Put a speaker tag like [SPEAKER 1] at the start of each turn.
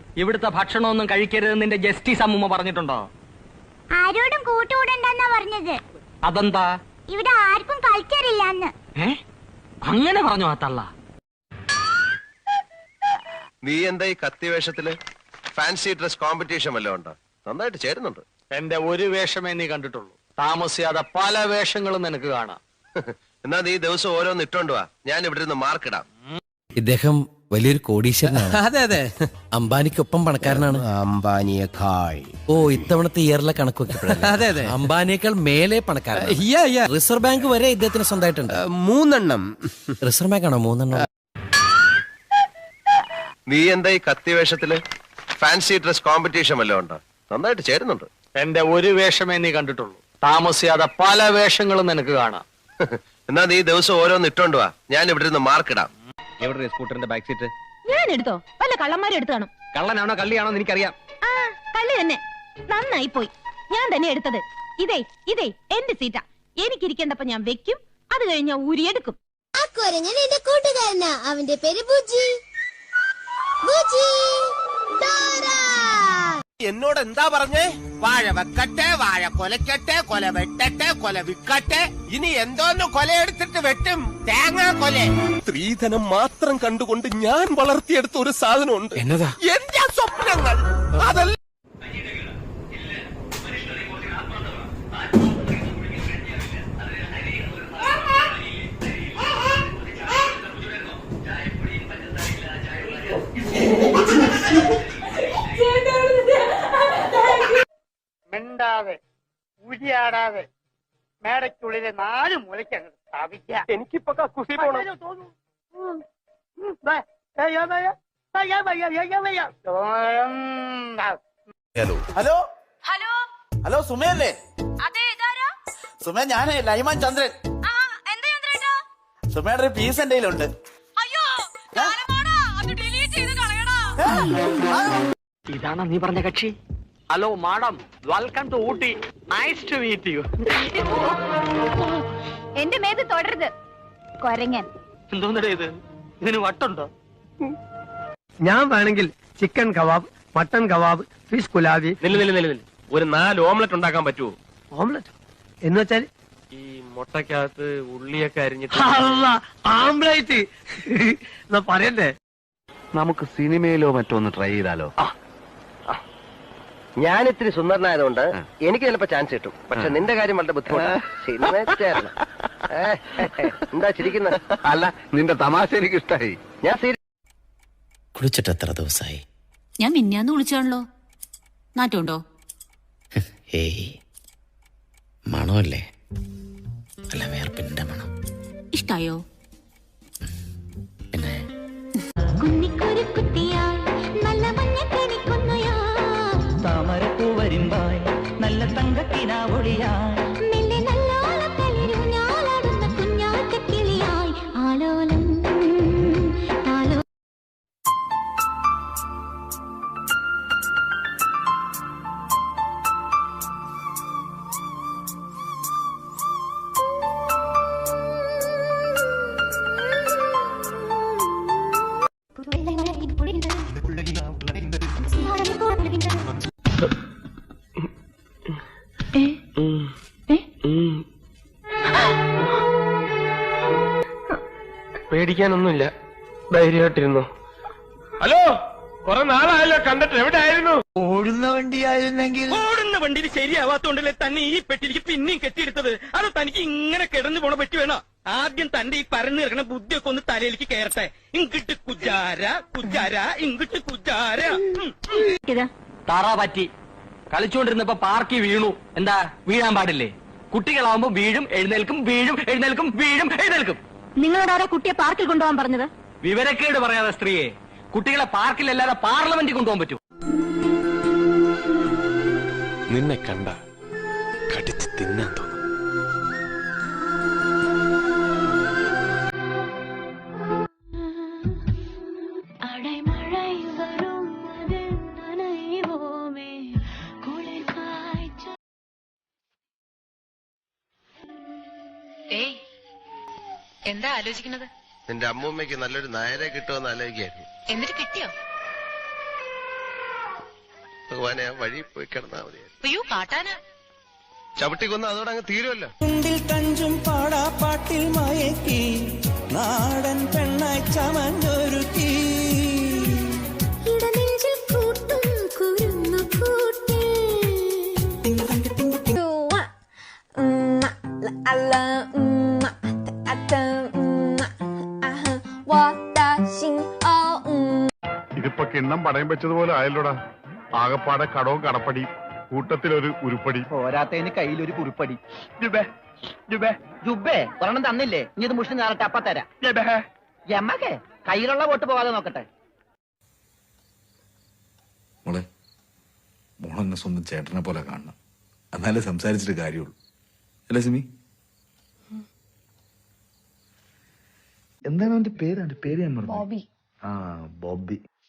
[SPEAKER 1] ഇവിടുത്തെ ഭക്ഷണമൊന്നും കഴിക്കരുതെന്ന് നിന്റെ ജസ്റ്റിസ് അമ്മൂമ്മ പറഞ്ഞിട്ടുണ്ടോ?
[SPEAKER 2] ആരോടും കൂട്ടുകൂടണ്ടെന്നാ പറഞ്ഞത്.
[SPEAKER 1] അതെന്താ?
[SPEAKER 2] ഇവിടെ ആർക്കും കൾച്ചർ ഇല്ലാന്ന്.
[SPEAKER 1] അങ്ങനെ പറഞ്ഞു ആ തള്ള.
[SPEAKER 3] നീ എന്താ ഈ കത്തി വേഷത്തില്? ഫാൻസി ഡ്രസ് കോമ്പറ്റീഷൻ വല്ലതും ഉണ്ടോ? നന്നായിട്ട് ചേരുന്നുണ്ട്.
[SPEAKER 1] എന്റെ ഒരു വേഷമേ നീ കണ്ടിട്ടുള്ളൂ. താമസിയാതെ പല വേഷങ്ങളും നിനക്ക് കാണാം.
[SPEAKER 3] എന്നാ നീ ദിവസം ഓരോന്ന് ഇട്ടോണ്ട് വാ, ഞാൻ ഇവിടെ നിന്ന് മാർക്കിടാം.
[SPEAKER 4] ഇദ്ദേഹം വലിയൊരു കോടീശ്വരനാണ്.
[SPEAKER 5] അതെ അതെ,
[SPEAKER 4] അംബാനിക്കൊപ്പം പണക്കാരനാണ്.
[SPEAKER 5] അംബാനിയേക്കാൾ.
[SPEAKER 4] ഓ, ഇത്തവണത്തെ ഇയറിലെ കണക്ക് വെക്കപ്പെടല്ലേ?
[SPEAKER 5] അതെ അതെ,
[SPEAKER 4] അംബാനിയേക്കാൾ മേലെ പണക്കാരൻ. റിസർവ് ബാങ്ക് വരെ ഇദ്ദേഹത്തിന് സ്വന്തമായിട്ടുണ്ട്.
[SPEAKER 5] 3 എണ്ണം.
[SPEAKER 4] റിസർവ് ബാങ്ക് ആണോ 3 എണ്ണം?
[SPEAKER 3] നീ എന്താ ഈ കത്തി വേഷത്തില്? ഫാൻസി ഡ്രസ് കോമ്പറ്റീഷൻ വല്ലതും ഉണ്ടോ? നന്നായിട്ട് ചേരുന്നുണ്ട്.
[SPEAKER 1] എന്റെ ഒരു വേഷമേ നീ കണ്ടിട്ടുള്ളൂ. താമസിയാതെ പല വേഷങ്ങളും നിനക്ക് കാണാം.
[SPEAKER 3] എന്നാ നീ ദിവസം ഓരോന്ന് ഇട്ടോണ്ട് വാ, ഞാൻ ഇവിടെ നിന്ന് മാർക്കിടാം.
[SPEAKER 1] എവിടെ സ്കൂട്ടറിന്റെ ബാക്ക് സീറ്റ്?
[SPEAKER 6] ഞാൻ എടുത്തോ? വല്ല കള്ളന്മാരും എടുത്തു കാണും.
[SPEAKER 1] കള്ളനാണോ കള്ളിയാണോ എനിക്കറിയാം.
[SPEAKER 6] ആ, കള്ളി തന്നെ. നന്നായി പോയി, ഞാൻ തന്നെ എടുത്തത്. ഇതേ എന്റെ സീറ്റാ. എനിക്കിരിക്കേണ്ടപ്പോ ഞാൻ വെക്കും, അത് കഴിഞ്ഞ ഊരിയെടുക്കും.
[SPEAKER 2] ആ കുരങ്ങൻ എന്റെ കൂട്ടുകാരനാ. അവന്റെ പേര് ബുജി. ബുജി
[SPEAKER 5] എന്നോട് എന്താ പറഞ്ഞേ? വാഴ വെക്കട്ടെ, വാഴ കൊലക്കട്ടെ, കൊല വെട്ടട്ടെ, കൊല വിക്കട്ടെ. ഇനി എന്തോന്ന് കൊലയെടുത്തിട്ട് വെട്ടും? തേങ്ങാ കൊല. സ്ത്രീധനം മാത്രം കണ്ടുകൊണ്ട് ഞാൻ വളർത്തിയെടുത്ത ഒരു സാധനമുണ്ട്.
[SPEAKER 4] എന്നതാ?
[SPEAKER 5] എന്റെ സ്വപ്നങ്ങൾ. അതല്ല
[SPEAKER 7] മിണ്ടാതെ ഉരിയാടാതെ മേടയ്ക്കുള്ളിലെ 4 മൂലയ്ക്ക് അങ്ങ് സ്ഥാപിക്കാം.
[SPEAKER 5] എനിക്കിപ്പോ കക്കൂസി പോണം.
[SPEAKER 8] ഹലോ
[SPEAKER 6] ഹലോ
[SPEAKER 8] ഹലോ, സുമയല്ലേ?
[SPEAKER 6] അതെ, ഇതാരാ?
[SPEAKER 8] സുമയ, ഞാനേ ലൈമാൻ ചന്ദ്രൻ.
[SPEAKER 6] എന്താ ചന്ദ്രേട്ടാ?
[SPEAKER 8] സുമയുടെ ഒരു പീസ് എന്റെ കയ്യിലുണ്ട്.
[SPEAKER 6] അയ്യോ, അത് ഡിലീറ്റ് ചെയ്ത് കളയടാ.
[SPEAKER 1] ഇതാണോ നീ പറഞ്ഞ കക്ഷി? Hello madam, welcome to Ooty. Nice to meet you.
[SPEAKER 6] എന്റെ മേത് തുടരുത്, കൊരങ്ങൻ.
[SPEAKER 1] എന്തോന്നടേ ഇത്? ഇതിന് വട്ടുണ്ടോ?
[SPEAKER 7] ഞാൻ വേണമെങ്കിൽ chicken kebab, mutton kebab, fish കുലാബി.
[SPEAKER 3] നില്ല്. ഒരു 4 ഓംലെറ്റ് ഉണ്ടാക്കാൻ പറ്റുമോ?
[SPEAKER 7] ഓംലെറ്റ് എന്ന് വെച്ചാൽ
[SPEAKER 3] ഈ മുട്ടക്കകത്ത് ഉള്ളിയൊക്കെ അരിഞ്ഞിട്ട്.
[SPEAKER 7] ആംബ്ലേറ്റ് എന്നാ പറയണ്ടേ?
[SPEAKER 3] നമുക്ക് സിനിമയിലോ മറ്റോ ഒന്ന് ട്രൈ ചെയ്താലോ? ഞാൻ ഇത്തിരി സുന്ദരനായതുകൊണ്ട് എനിക്ക് ചിലപ്പോ ചാൻസ് കിട്ടും. പക്ഷെ നിന്റെ കാര്യം വളരെ ബുദ്ധിമുട്ടാണ്. എന്താ ചിരിക്കുന്നത്? അല്ല, നിന്റെ തമാശ എനിക്ക് ഇഷ്ടായി. ഞാൻ
[SPEAKER 4] കുളിച്ചിട്ട് എത്ര ദിവസമായി?
[SPEAKER 6] ഞാൻ മിന്നാന്ന് വിളിച്ചാണല്ലോ. നാട്ടുണ്ടോ?
[SPEAKER 4] ഏയ്, മണമല്ലേ? അല്ല, വേർപ്പിന്റെ മണം.
[SPEAKER 6] ഇഷ്ടായോ?
[SPEAKER 4] പിന്നെ
[SPEAKER 9] താമരപ്പൂ വരുമ്പായി നല്ല തങ്കക്കിനാവൊളിയായി
[SPEAKER 2] ആലോലം
[SPEAKER 3] പേടിക്കാനൊന്നുമില്ല, ധൈര്യമായിട്ടിരുന്നു. ഹലോ, കുറെ നാളായല്ലോ കണ്ടിട്ട്. എവിടെ ആയിരുന്നു?
[SPEAKER 5] ഓടുന്ന വണ്ടിയായിരുന്നെങ്കിൽ.
[SPEAKER 1] ഓടുന്ന വണ്ടിയിൽ ശരിയാവാത്തോണ്ടല്ലേ തന്നെ ഈ പെട്ടിലേക്ക് പിന്നെയും കെട്ടിയെടുത്തത്. അത് തനിക്ക് ഇങ്ങനെ കിടന്നു പോണ പറ്റി വേണോ? ആദ്യം തന്റെ ഈ പരന്നു കിടക്കണ ബുദ്ധിയൊക്കെ ഒന്ന് തലയിലേക്ക് കയറട്ടെ. ഇങ്ങിട്ട് കുജാര കുജാര, ഇങ്ങിട്ട് കുജാര. താറാ പറ്റി കളിച്ചുകൊണ്ടിരുന്നപ്പോ പാർക്കി വീണു. എന്താ, വീഴാൻ പാടില്ലേ? കുട്ടികളാവുമ്പോ വീഴും എഴുന്നേൽക്കും, വീഴും എഴുന്നേൽക്കും, വീഴും എഴുന്നേൽക്കും.
[SPEAKER 6] നിങ്ങളോടാരാ കുട്ടിയെ പാർക്കിൽ കൊണ്ടുപോകാൻ പറഞ്ഞത്?
[SPEAKER 1] വിവരക്കേട് പറയാതെ സ്ത്രീയെ. കുട്ടികളെ പാർക്കിലല്ലാതെ പാർലമെന്റിൽ കൊണ്ടുപോകാൻ പറ്റൂ?
[SPEAKER 3] നിന്നെ കണ്ട കടിച്ച് തിന്നാൻ തോന്നും.
[SPEAKER 6] എന്താ ആലോചിക്കുന്നത്?
[SPEAKER 3] നിന്റെ അമ്മൂമ്മയ്ക്ക് നല്ലൊരു നായരെ കിട്ടുമെന്ന് ആലോചിക്കായിരുന്നു.
[SPEAKER 6] എന്നിട്ട് കിട്ടിയോ?
[SPEAKER 3] ഭഗവാനെ ആ വഴി പോയി കിടന്നാ മതി.
[SPEAKER 6] അയ്യോ കാട്ടാന
[SPEAKER 3] ചവിട്ടി കൊന്ന് അതോടെ അങ്ങ് തീരുമല്ലോ.
[SPEAKER 9] കുണ്ടിൽ തഞ്ചും പാടാപ്പാട്ടിൽ മയക്കി നാടൻ പെണ്ണായി ചമഞ്ഞൊരുക്കി
[SPEAKER 2] ഇടനെഞ്ചിൽ കൂട്ടും കുരുന്നു കൂട്ടി
[SPEAKER 10] ഇതിപ്പോ കിണ്ണം പടയം വെച്ചതുപോലെ ആയല്ലോടാ. ആകപ്പാടെ കടവും കടപ്പടി, കൂട്ടത്തിലൊരു ഉരുപ്പടി.
[SPEAKER 7] പോരാത്തതിന് കയ്യിലൊരു കുറിപ്പടി. ജുബേ ഒരെണ്ണം തന്നില്ലേ, ഇനി ഇത് മുഷിന് നേരട്ടെ അപ്പ തരാം. എമ്മക്കെ കയ്യിലുള്ള വോട്ട് പോകാതെ നോക്കട്ടെ.
[SPEAKER 10] മോളെ, മോളെന്നെ സ്വന്തം ചേട്ടനെ പോലെ കാണണം, എന്നാലേ സംസാരിച്ചിട്ട് കാര്യമുള്ളൂ. അല്ലേ സിമി? എന്താണ് അവന്റെ പേര്? അവന്റെ പേര് ഞാൻ പറഞ്ഞു. ബോബി. ആ, ബോബി.